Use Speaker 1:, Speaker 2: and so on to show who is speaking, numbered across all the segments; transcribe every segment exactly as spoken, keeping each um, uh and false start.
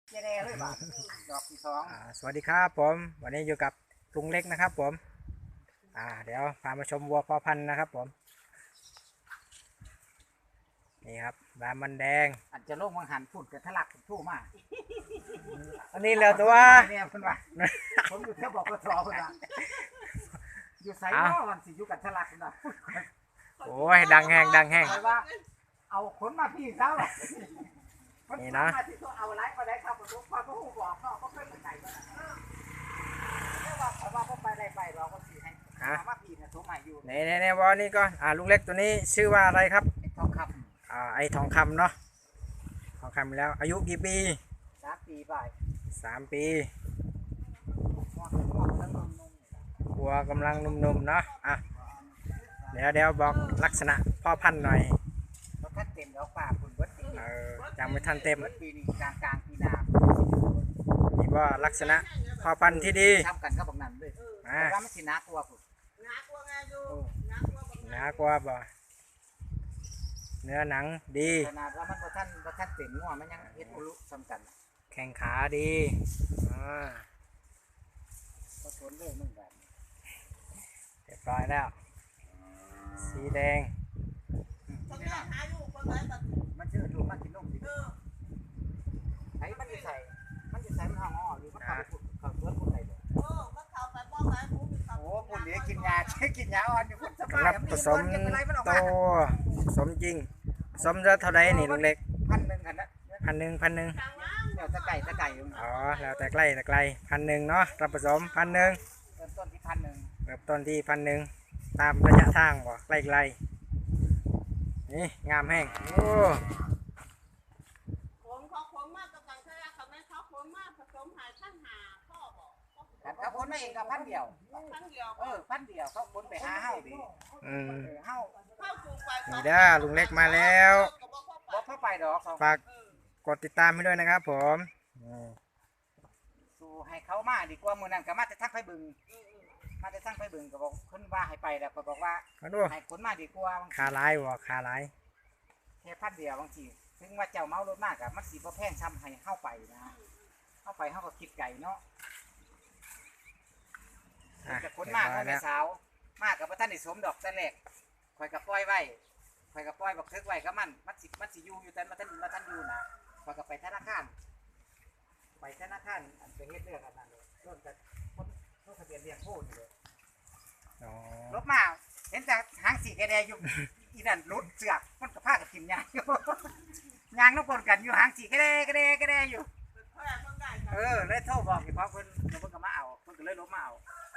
Speaker 1: เจเดเลยบ้าดอกที่สอง
Speaker 2: สวัสดีครับผมวันนี้อยู่กับลุงเล็กนะครับผมอ่าเดี๋ยวพามาชมวัวพ่อพันธุ์นะครับผมนี่ครับรามมันแดง
Speaker 1: อันจะลงวังหันฝุ่นกระทะลักทู่มาก
Speaker 2: อันนี้แล้วตัว
Speaker 1: เนี่ยเพิ่นว่าผมอยู่แค่บอกกระสอบเพิ่นว่าอยู่ไสนอวันสิอยู่กับทะลักนะ
Speaker 2: โอ้ยดังแห้งดังแห้ง
Speaker 1: ว่าเอาขนมาพี่เจ้า
Speaker 2: นี่นะ
Speaker 1: เอาไลฟ์มาได้ครับผมพอเขาบอกเนาะเขาเคยมาใส่ก็ได้ว่าเขาว่าเขาไปได้ไปเราก็สิให้ว่าพี่เนี่ยสมัยอยู่
Speaker 2: ในในในวอนี่ก็อ่าลุงเล็กตัวนี้ชื่อว่าอะไรครับ
Speaker 1: ทองค
Speaker 2: ำอ่าไอทองคำเนาะทองคำแล้วอายุกี่ปี
Speaker 1: สามปีไป
Speaker 2: สามปีวัวกำลังนุ่มๆเนาะอ่ะเดี๋ยวเดี๋ยวบอกลักษณะพ่อพันธุ์หน่อย
Speaker 1: เราท่านเต็มแล้วป่าคุณวัดปี
Speaker 2: เออยังไม่ทันเต็ม
Speaker 1: ปีนี้กลางกลางปีนา
Speaker 2: นี่ว่าลักษณะพ่อพันธุ์ที่ดี
Speaker 1: ทำกันก็บอกนั่นเลยว่ามันสินักกว่าคุณ
Speaker 3: นักกว่าไงอยู่นักกว่า
Speaker 2: นักกว่าบ่เนื้อหนังดี
Speaker 1: ขนาดว่ามันพอท่านพอท่านเต็มงัวมันยังเฮ็ดอุลุสำคัญ
Speaker 2: แข้งขาดีอ่า
Speaker 1: ก็ทนเลยมึงแบบ
Speaker 2: เรียบร้อยแล้วสีแดง
Speaker 1: มันชื่อถูกมันกินนมดิไอ้มันจะใส่มันจะใส่มันห่อหรือมันเข้าไปเขาเพื่อนคนไหนเลย
Speaker 3: โอ้มันเข้าไปบ้องไหนผม
Speaker 1: โอ้คนนี้กินยาใช้กินยาอ่อนอยู่คนสบาย
Speaker 2: รับผสมโตผสมจริงผสมจะเท่าไรนี่ลุงเล็ก
Speaker 1: พันหนึ่งกันนะ
Speaker 2: พันหนึ่งพันหนึ่ง
Speaker 1: เดี๋ยวตะไก่ตะไก่
Speaker 2: อ๋อแล้วแต่ใกล้แต่ไกลพันหนึ่งเนาะรับผสมพันหนึ่ง
Speaker 1: เริ่มต้นที่พันหนึ่ง
Speaker 2: เริ่มต้นที่พันหนึ่งตามระยะทางบ่ใกล้ไกลนี่งามแห้งโอ้
Speaker 3: ผมเขาผมมากกับการใช้เขาไม่เขาผมมากผสมหายท่านหาพ่อบอก
Speaker 1: เขาคนไม่เองกับพันเดียว
Speaker 3: พันเดียว
Speaker 1: เออพันเดียวเขาคนไปหาเฮ้าดิ
Speaker 2: อืม
Speaker 1: เฮ้า
Speaker 2: นี่ด้าลุงเล็กมาแล้ว
Speaker 1: บอกเข้าไปดอก
Speaker 2: ฝากกดติดตามให้ด้วยนะครับผม
Speaker 1: สู้ให้เขามาดีกว่ามือนั่นก็มาจะทั้งไปบึงมาจะทั้งไปบึงก็บอกคนว่าให้ไปแล้วก็บอกว่าให้คนมาดีกว่า
Speaker 2: ขาลายบ่ขาลาย
Speaker 1: แค่พันเดียวบางทีถึงว่าเจ้าเมารถมากอะมันสีบ่แพงทำให้เข้าไปนะเข้าไปเข้าก็คิดไก่เนาะแต่คนมากเขาไม่สาวมากกับพระท่านในสมดอกแต่แรกคอยกับป้อยไว้คอยกับป้อยบอกทึกไว้ก็มันมันสิมันสิยูอยู่แต่มาท่านมาท่านยูนะคอยกับไปธนาคารไปธนาคารอันเป็นเฮ็ดเรื่องอันนั้นเลยต้นแต่ต้นต้นทะเบียนเรียงโพดเลยรถมาเห็นแต่หางสีแกแดงอยู่อีนั่นรถเสือกมันกับผ้ากับกินยางอยู่ยางน้ำปนกันอยู่หางสีแกแดงแกแดงแกแดงอยู่เออเลยโทรบอกพี่พ่อเพิ่นเพิ่นก็มาเอาเพิ่นก็เลยลบมาเอา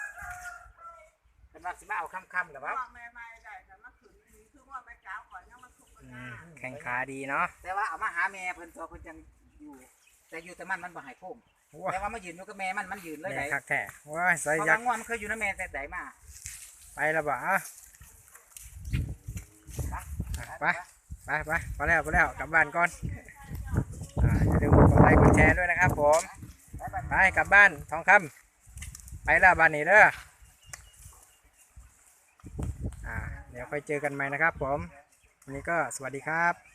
Speaker 1: เป็นว่าสิมาเอาค่ำๆหรือเปล่า
Speaker 2: แข่งขาดีเนาะ
Speaker 1: แต่ว่าเอามาหาแม่เพิ่นตัวเพิ่นยังอยู่แต่อยู่แต่มันมันบ่หายพุ่มแต่ว่ามายืนอยู่กับแม่มันมันยืนเลยไหน
Speaker 2: คักแท้ว้าใส่ยักษ์
Speaker 1: มันเคยอยู่นะแม่แต่ไหนมา
Speaker 2: ไปแล้วบ่อ่ะไปไปไปพอแล้วพอแล้วกลับบ้านก่อนอ่าอย่าลืมกดไลค์กดแชร์ด้วยนะครับผมไปกลับบ้านทองคำไปแล้วบ้านนี้เด้ออ่าเดี๋ยวค่อยเจอกันใหม่นะครับผมวันนี้ก็สวัสดีครับ